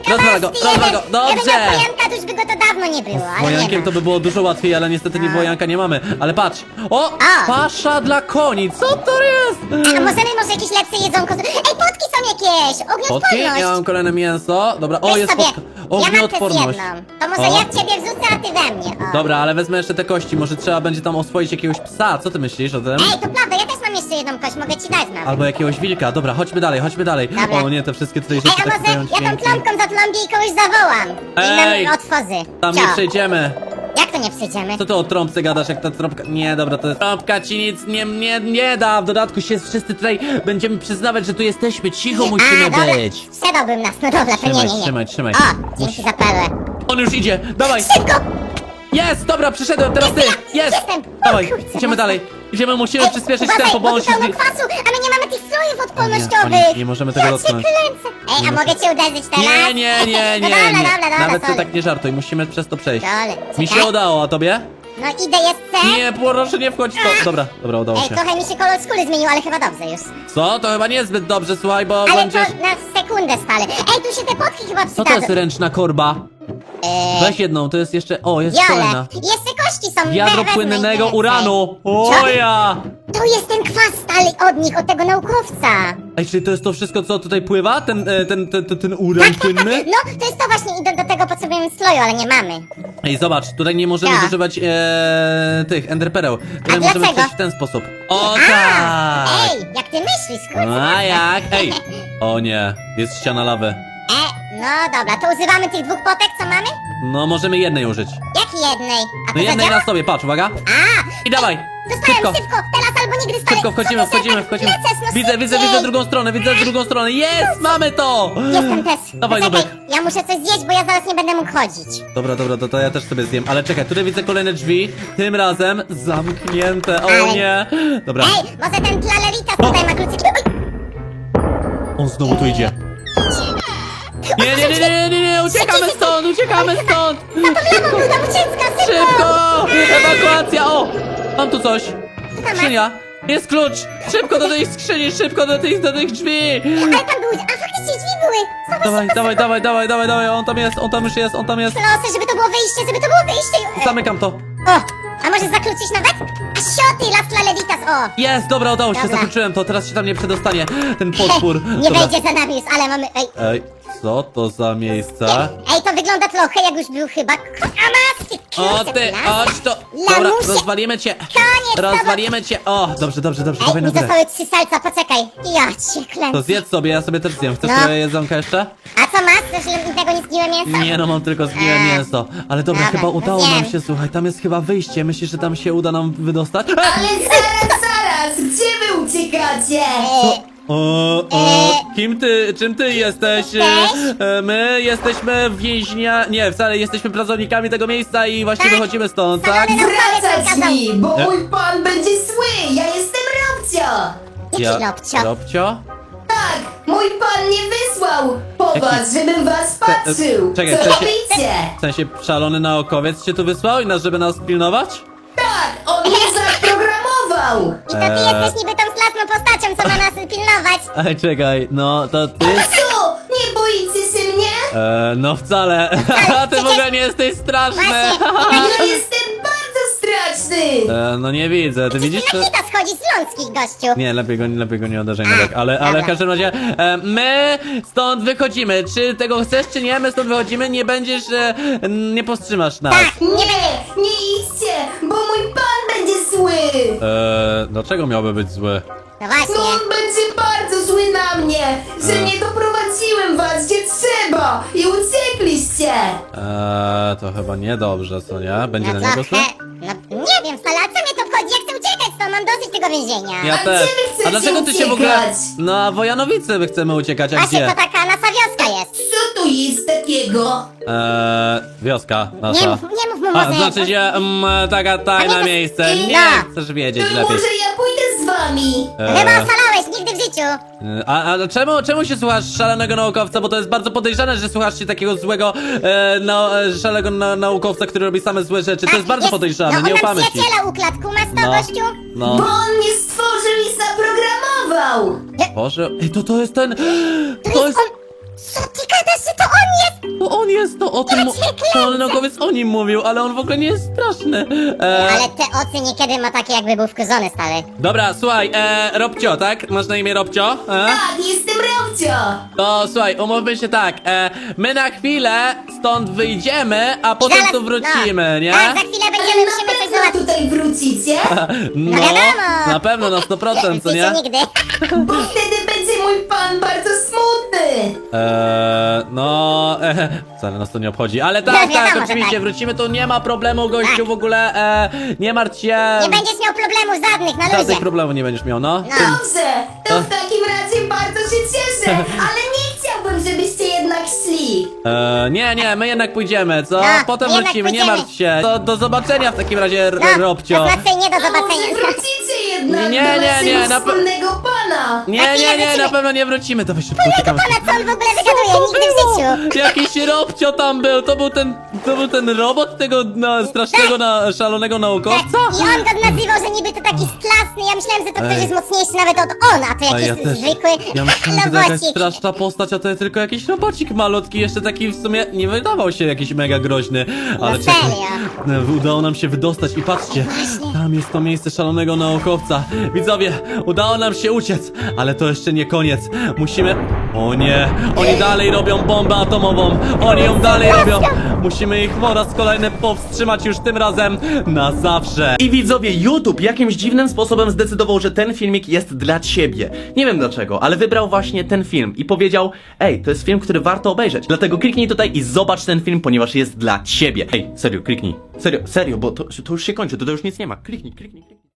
[SPEAKER 2] Rozwal go, rozwal go,
[SPEAKER 3] Gdyby miał
[SPEAKER 2] dobrze!
[SPEAKER 3] wojanka, to już by go to dawno nie było, ale nie
[SPEAKER 2] Wojankiem
[SPEAKER 3] ma.
[SPEAKER 2] to by było dużo łatwiej, ale niestety nie wojanka nie mamy. Ale patrz! O!
[SPEAKER 3] A.
[SPEAKER 2] Pasza dla koni! Co to jest?
[SPEAKER 3] A możemy może jakieś lepsze jedzonko... z- Ej, potki są jakieś!
[SPEAKER 2] Potki?
[SPEAKER 3] Ognioodporność!
[SPEAKER 2] Ja mam kolejne mięso. Dobra, o
[SPEAKER 3] Weź
[SPEAKER 2] jest
[SPEAKER 3] sobie.
[SPEAKER 2] potka.
[SPEAKER 3] Ja mam też
[SPEAKER 2] Ognioodporność.
[SPEAKER 3] jedną. To może
[SPEAKER 2] O.
[SPEAKER 3] ja w ciebie wrzucę, a ty we mnie. O.
[SPEAKER 2] Dobra, ale wezmę jeszcze te kości. Może trzeba będzie tam oswoić jakiegoś psa. Co ty myślisz o tym?
[SPEAKER 3] Ej, to prawda, ja też mam jeszcze jedną kość, mogę ci dać, mam.
[SPEAKER 2] Albo jakiegoś wilka. Dobra, chodźmy dalej, chodźmy dalej.
[SPEAKER 3] Dobra.
[SPEAKER 2] O nie, te wszystkie tutaj
[SPEAKER 3] Ej,
[SPEAKER 2] rzeczy
[SPEAKER 3] a
[SPEAKER 2] tak
[SPEAKER 3] może
[SPEAKER 2] dają
[SPEAKER 3] ja tą
[SPEAKER 2] dźwięki.
[SPEAKER 3] plamką zatląbię i kogoś zawołam.
[SPEAKER 2] Ej,
[SPEAKER 3] I nam otworzy.
[SPEAKER 2] Tam
[SPEAKER 3] Co?
[SPEAKER 2] nie przejdziemy.
[SPEAKER 3] Jak to nie przejdziemy?
[SPEAKER 2] Co ty o trąbce gadasz, jak ta trąbka... Nie, dobra, to jest... Trąbka ci nic nie, nie, nie da. W dodatku się wszyscy tutaj będziemy przyznawać, że tu jesteśmy. Cicho musimy
[SPEAKER 3] a, dobra,
[SPEAKER 2] być.
[SPEAKER 3] sprzedałbym nas, no dobra, to nie,
[SPEAKER 2] Trzymaj,
[SPEAKER 3] nie, nie.
[SPEAKER 2] trzymaj, trzymaj.
[SPEAKER 3] O, dzięki za perłę.
[SPEAKER 2] On już idzie, dawaj!
[SPEAKER 3] Szybko!
[SPEAKER 2] Jest, dobra, przyszedłem, teraz ty! Jest!
[SPEAKER 3] Jestem. O,
[SPEAKER 2] Dawaj,
[SPEAKER 3] kurczę,
[SPEAKER 2] idziemy
[SPEAKER 3] mocno.
[SPEAKER 2] dalej. Idziemy, musimy
[SPEAKER 3] Ej,
[SPEAKER 2] przyspieszyć
[SPEAKER 3] uważaj,
[SPEAKER 2] tempo, bo
[SPEAKER 3] bo
[SPEAKER 2] on
[SPEAKER 3] tu
[SPEAKER 2] się...
[SPEAKER 3] pełno
[SPEAKER 2] zbi-
[SPEAKER 3] kwasu, a my nie mamy tych strojów
[SPEAKER 2] O
[SPEAKER 3] odpornościowych.
[SPEAKER 2] nie, o nie, nie możemy tego
[SPEAKER 3] Ja
[SPEAKER 2] dotknąć.
[SPEAKER 3] cię kręcę. Ej, a mogę cię uderzyć teraz?
[SPEAKER 2] Nie, nie, nie, nie,
[SPEAKER 3] No dobra,
[SPEAKER 2] nie.
[SPEAKER 3] dobra, dobra,
[SPEAKER 2] Nawet ty
[SPEAKER 3] sorry.
[SPEAKER 2] tak nie żartuj, musimy przez to przejść.
[SPEAKER 3] Dobra,
[SPEAKER 2] Mi się
[SPEAKER 3] czekaj.
[SPEAKER 2] udało, a tobie?
[SPEAKER 3] No idę, jest C.
[SPEAKER 2] Nie, proszę nie wchodź w to. Dobra, dobra, udało
[SPEAKER 3] Ej,
[SPEAKER 2] się.
[SPEAKER 3] trochę mi się kolor skóry zmienił, ale chyba dobrze już.
[SPEAKER 2] Co? To chyba niezbyt dobrze, słuchaj, bo
[SPEAKER 3] Ale
[SPEAKER 2] będziesz...
[SPEAKER 3] to na sekundę spalę. Ej, tu się te potki chyba
[SPEAKER 2] Co to
[SPEAKER 3] przydadzą.
[SPEAKER 2] jest ręczna korba?
[SPEAKER 3] Eee,
[SPEAKER 2] Weź jedną, to jest jeszcze... O, jest
[SPEAKER 3] Wiole.
[SPEAKER 2] kolejna.
[SPEAKER 3] Jeszcze kości są.
[SPEAKER 2] Wiadro
[SPEAKER 3] we- wezmę
[SPEAKER 2] płynnego
[SPEAKER 3] więcej.
[SPEAKER 2] uranu!
[SPEAKER 3] Co?
[SPEAKER 2] O ja!
[SPEAKER 3] To jest ten kwas stary od nich, od tego naukowca.
[SPEAKER 2] Ej, czyli to jest to wszystko, co tutaj pływa? Ten, e, ten, ten, ten, ten uran płynny?
[SPEAKER 3] No, to jest to właśnie i do, do tego potrzebujemy sloju, ale nie mamy.
[SPEAKER 2] Ej, zobacz, tutaj nie możemy
[SPEAKER 3] Ja.
[SPEAKER 2] zużywać e, tych enderpereł. Tutaj
[SPEAKER 3] A
[SPEAKER 2] możemy
[SPEAKER 3] dlaczego?
[SPEAKER 2] przejść w ten sposób. O
[SPEAKER 3] A,
[SPEAKER 2] tak!
[SPEAKER 3] Ej, jak ty myślisz, kurczę.
[SPEAKER 2] A jak? Ej! O nie, jest ściana lawy.
[SPEAKER 3] E, no dobra, to używamy tych dwóch potek, co mamy?
[SPEAKER 2] No, możemy jednej użyć.
[SPEAKER 3] Jak jednej? A
[SPEAKER 2] No
[SPEAKER 3] to
[SPEAKER 2] jednej
[SPEAKER 3] zadziała?
[SPEAKER 2] na sobie, patrz, uwaga.
[SPEAKER 3] A,
[SPEAKER 2] I dawaj!
[SPEAKER 3] dostałem
[SPEAKER 2] Szybko!
[SPEAKER 3] szybko, teraz albo nigdy stary.
[SPEAKER 2] Szybko wchodzimy,
[SPEAKER 3] Co ty
[SPEAKER 2] wchodzimy,
[SPEAKER 3] tak
[SPEAKER 2] wchodzimy.
[SPEAKER 3] lecesz, no
[SPEAKER 2] Widzę, widzę,
[SPEAKER 3] szybciej.
[SPEAKER 2] widzę drugą stronę, widzę drugą stronę. Jest! Mamy to!
[SPEAKER 3] Jestem też.
[SPEAKER 2] Dawaj,
[SPEAKER 3] Poczekaj,
[SPEAKER 2] Nubek.
[SPEAKER 3] ja muszę coś zjeść, bo ja zaraz nie będę mógł chodzić.
[SPEAKER 2] Dobra, dobra, to, to ja też sobie zjem. Ale czekaj, tutaj widzę kolejne drzwi. Tym razem zamknięte. O
[SPEAKER 3] Ale-
[SPEAKER 2] nie! Dobra,
[SPEAKER 3] Ej, może ten tlaleritas tutaj ma kluczyki. Oj,
[SPEAKER 2] on znowu tu idzie. Nie, nie, nie, nie, nie, nie, uciekamy stąd, uciekamy stąd!
[SPEAKER 3] lewą był tam ucieczka, szybko!
[SPEAKER 2] Szybko! Ewakuacja! O! Mam tu coś!
[SPEAKER 3] masz?
[SPEAKER 2] Skrzynia! Jest klucz! Szybko do tej skrzyni, szybko do tych, do tych drzwi!
[SPEAKER 3] Ale tam były, a faktycznie drzwi były. Zobacz,
[SPEAKER 2] Dawaj,
[SPEAKER 3] szybko,
[SPEAKER 2] dawaj,
[SPEAKER 3] szybko.
[SPEAKER 2] dawaj, dawaj, dawaj, dawaj, on tam jest, on tam już jest, on tam jest.
[SPEAKER 3] Proszę, żeby to było wyjście, żeby to było wyjście. E,
[SPEAKER 2] Zamykam to.
[SPEAKER 3] O, a może zakluczyć nawet? A sioty, las tlaleritas, o.
[SPEAKER 2] Jest, dobra, udało się,
[SPEAKER 3] Dobra.
[SPEAKER 2] zakluczyłem to, teraz się tam nie przedostanie. Ten potwór.
[SPEAKER 3] Nie
[SPEAKER 2] Dobra.
[SPEAKER 3] wejdzie za nami już, ale mamy... Ej,
[SPEAKER 2] Ej, co to za miejsce?
[SPEAKER 3] ej, to wygląda trochę jak już był chyba... A maski,
[SPEAKER 2] O ty, chodź to! Dobra,
[SPEAKER 3] Lamusie.
[SPEAKER 2] rozwalimy cię!
[SPEAKER 3] Koniec,
[SPEAKER 2] Rozwalimy cię! O, dobrze, dobrze, dobrze,
[SPEAKER 3] Ej,
[SPEAKER 2] dawaj na
[SPEAKER 3] mi
[SPEAKER 2] górę.
[SPEAKER 3] zostały trzy salca, poczekaj. Ja cię
[SPEAKER 2] To
[SPEAKER 3] klęczę.
[SPEAKER 2] zjedz sobie, ja sobie też zjem. Chcesz
[SPEAKER 3] No.
[SPEAKER 2] sobie jedzonka jeszcze?
[SPEAKER 3] A co masz? Coś innego nie zgniłe mięso?
[SPEAKER 2] Nie no, mam tylko zgniłe
[SPEAKER 3] A.
[SPEAKER 2] mięso. Ale dobra,
[SPEAKER 3] Dobra,
[SPEAKER 2] chyba udało nam
[SPEAKER 3] zjem.
[SPEAKER 2] się, słuchaj, tam jest chyba wyjście. Myślisz, że tam się uda nam wydostać? E!
[SPEAKER 6] Ale zaraz, zaraz, gdzie wy uciekacie?
[SPEAKER 3] E,
[SPEAKER 2] O, o, kim ty, czym ty jesteś? E, e, My jesteśmy więźnia... Nie, wcale jesteśmy pracownikami tego miejsca i właśnie
[SPEAKER 3] Tak.
[SPEAKER 2] wychodzimy stąd, tak?
[SPEAKER 3] Salony
[SPEAKER 6] Wracać mi, bo
[SPEAKER 2] E?
[SPEAKER 6] mój pan będzie zły, ja jestem Robcio!
[SPEAKER 3] Jaki lobcio?
[SPEAKER 2] Robcio?
[SPEAKER 6] Tak, mój pan mnie wysłał po
[SPEAKER 2] Jaki-
[SPEAKER 6] was, żebym was
[SPEAKER 2] e,
[SPEAKER 6] patrzył!
[SPEAKER 2] czekaj,
[SPEAKER 6] Co
[SPEAKER 2] w sensie-
[SPEAKER 6] robicie?
[SPEAKER 2] W sensie szalony naukowiec cię tu wysłał i nas, żeby nas pilnować?
[SPEAKER 6] Tak, on mnie zaprogramował!
[SPEAKER 3] I to ty
[SPEAKER 2] Eee.
[SPEAKER 3] jesteś niby tą straszną postacią, co ma nas pilnować.
[SPEAKER 2] Ej, czekaj, no to ty...
[SPEAKER 6] Co, nie boicie się mnie?
[SPEAKER 2] E, no wcale, a ty w ogóle nie jesteś straszny!
[SPEAKER 3] Właśnie.
[SPEAKER 6] Ja jestem bardzo straszny!
[SPEAKER 2] E, no nie widzę, ty widzisz?
[SPEAKER 3] Na
[SPEAKER 2] Że...
[SPEAKER 3] hita schodzi z ląskich, gościu.
[SPEAKER 2] Nie, lepiej go, lepiej go nie uderzaj, Nubek, ale, ale w
[SPEAKER 3] dobra.
[SPEAKER 2] każdym razie e, my stąd wychodzimy, czy tego chcesz, czy nie, my stąd wychodzimy, nie będziesz, e, nie powstrzymasz nas.
[SPEAKER 3] Tak,
[SPEAKER 6] Nie, nie idźcie, bo mój pan będzie zły!
[SPEAKER 2] E, dlaczego miałby być zły?
[SPEAKER 3] No
[SPEAKER 6] No
[SPEAKER 3] właśnie.
[SPEAKER 6] on będzie bardzo zły na mnie, że
[SPEAKER 2] E.
[SPEAKER 6] nie doprowadziłem was gdzie trzeba i uciekliście!
[SPEAKER 2] E, to chyba niedobrze, co nie? Będzie
[SPEAKER 3] No
[SPEAKER 2] na niego zły?
[SPEAKER 3] trochę... No nie wiem, stale, a co mnie to wchodzi? Ja chcę uciekać stąd, mam dosyć tego więzienia.
[SPEAKER 2] Ja
[SPEAKER 6] A
[SPEAKER 2] też.
[SPEAKER 6] gdzie wy chcecie
[SPEAKER 2] A dlaczego ty się w ogóle...
[SPEAKER 6] uciekać?
[SPEAKER 2] No, a Wojanowice my chcemy uciekać, a
[SPEAKER 3] Właśnie,
[SPEAKER 2] gdzie?
[SPEAKER 3] to taka nasza wioska jest.
[SPEAKER 6] Co tu jest takiego?
[SPEAKER 2] Eee, wioska nasza.
[SPEAKER 3] Nie mów, nie mów mu
[SPEAKER 2] A,
[SPEAKER 3] może.
[SPEAKER 2] znaczy się, mm, taka tajna
[SPEAKER 3] A nie, to-
[SPEAKER 2] miejsce. Nie
[SPEAKER 3] No.
[SPEAKER 2] chcesz
[SPEAKER 6] To
[SPEAKER 2] wiedzieć lepiej.
[SPEAKER 6] może ja pójdę z wami?
[SPEAKER 2] Eee,
[SPEAKER 3] Chyba oszalałeś, nigdy w życiu.
[SPEAKER 2] a, a czemu, czemu się słuchasz szalonego naukowca? Bo to jest bardzo podejrzane, że słuchasz się takiego złego, e, no, e, szalonego na, naukowca, który robi same złe rzeczy. To jest bardzo podejrzane,
[SPEAKER 3] no,
[SPEAKER 2] nie
[SPEAKER 3] on nam
[SPEAKER 2] ufamy ci.
[SPEAKER 3] przyjaciela ukradł, kumasz to,
[SPEAKER 2] No.
[SPEAKER 3] gościu?
[SPEAKER 6] Bo
[SPEAKER 2] No,
[SPEAKER 6] on mnie stworzył i zaprogramował!
[SPEAKER 2] Boże, ej, to to jest ten...
[SPEAKER 3] To
[SPEAKER 2] To
[SPEAKER 3] jest
[SPEAKER 2] jest...
[SPEAKER 3] on... Co ty gadasz, że to on jest?
[SPEAKER 2] to on jest, to o tym mu... Szalony naukowiec o nim mówił, ale on w ogóle nie jest straszny. E,
[SPEAKER 3] Ale te oczy niekiedy ma takie jakby był wkurzony, stary.
[SPEAKER 2] dobra, słuchaj, e, Robcio, tak? Masz na imię Robcio? E?
[SPEAKER 6] Tak, jestem Robcio!
[SPEAKER 2] To słuchaj, umówmy się tak, e, my na chwilę stąd wyjdziemy, a potem
[SPEAKER 3] Zaraz-
[SPEAKER 2] tu wrócimy,
[SPEAKER 3] no.
[SPEAKER 2] nie?
[SPEAKER 3] Tak, za chwilę
[SPEAKER 6] Ale
[SPEAKER 3] będziemy,
[SPEAKER 6] na
[SPEAKER 3] musimy coś
[SPEAKER 6] pewno
[SPEAKER 3] załatwić.
[SPEAKER 6] tutaj wrócicie?
[SPEAKER 2] No,
[SPEAKER 3] wiadomo.
[SPEAKER 2] na pewno, na sto procent, co nie?
[SPEAKER 3] Wiecie, nigdy.
[SPEAKER 6] Bo wtedy będzie mój pan bardzo smutny!
[SPEAKER 2] Eee, no, e, wcale nas to nie obchodzi, ale
[SPEAKER 3] No,
[SPEAKER 2] tak,
[SPEAKER 3] wiadomo,
[SPEAKER 2] tak,
[SPEAKER 3] że
[SPEAKER 2] oczywiście,
[SPEAKER 3] tak.
[SPEAKER 2] wrócimy, tu nie ma problemu, gościu, w ogóle, e, nie martw się.
[SPEAKER 3] Nie będziesz miał problemów żadnych, na
[SPEAKER 2] Żadnych
[SPEAKER 3] luzie.
[SPEAKER 2] problemów nie będziesz miał, no.
[SPEAKER 3] No.
[SPEAKER 6] Dobrze, to w takim razie bardzo się cieszę, ale nie chciałbym, żebyście jednak szli.
[SPEAKER 2] Eee, nie, nie, my jednak pójdziemy, co?
[SPEAKER 3] No,
[SPEAKER 2] Potem
[SPEAKER 3] my jednak
[SPEAKER 2] wrócimy, nie
[SPEAKER 3] pójdziemy.
[SPEAKER 2] martw się. Do, do zobaczenia w takim razie, R-
[SPEAKER 3] No,
[SPEAKER 2] Robcio.
[SPEAKER 3] to znaczy nie do
[SPEAKER 6] A może
[SPEAKER 3] zobaczenia.
[SPEAKER 6] wrócicie jednak
[SPEAKER 2] Nie,
[SPEAKER 6] do
[SPEAKER 2] nie,
[SPEAKER 6] naszego
[SPEAKER 2] nie, na pe-
[SPEAKER 6] wspólnego pana?
[SPEAKER 2] Nie, nie, nie, na pewno nie wrócimy, to weź szybko uciekamy.
[SPEAKER 3] Pana, co on w ogóle wygaduje? Nigdy w życiu.
[SPEAKER 2] Jakiś Robcio tam był, to był ten, to był ten robot tego na, strasznego, na, szalonego naukowca?
[SPEAKER 3] I on go nazywał, że niby to taki straszny. Ja myślałem, że to ktoś
[SPEAKER 2] Ej.
[SPEAKER 3] jest mocniejszy nawet od on, a to
[SPEAKER 2] A
[SPEAKER 3] jakiś
[SPEAKER 2] ja też,
[SPEAKER 3] zwykły
[SPEAKER 2] ja myślałem, że to jakaś
[SPEAKER 3] robocik.
[SPEAKER 2] straszna postać, a to jest tylko jakiś robocik malutki, jeszcze taki w sumie nie wydawał się jakiś mega groźny, ale
[SPEAKER 3] No
[SPEAKER 2] czekaj,
[SPEAKER 3] serio?
[SPEAKER 2] e, udało nam się wydostać i patrzcie, tam jest to miejsce szalonego naukowca. Widzowie, udało nam się uciec, ale to jeszcze nie koniec, musimy... O nie, oni dalej robią bombę atomową, oni ją dalej robią, musimy ich po raz kolejny powstrzymać już tym razem na zawsze. I widzowie, YouTube jakimś dziwnym sposobem zdecydował, że ten filmik jest dla ciebie. Nie wiem dlaczego, ale wybrał właśnie ten film i powiedział: ej, to jest film, który warto obejrzeć. Dlatego kliknij tutaj i zobacz ten film, ponieważ jest dla ciebie. Ej, serio, kliknij. Serio, serio, bo to, to już się kończy, to, to już nic nie ma. Kliknij, kliknij, kliknij.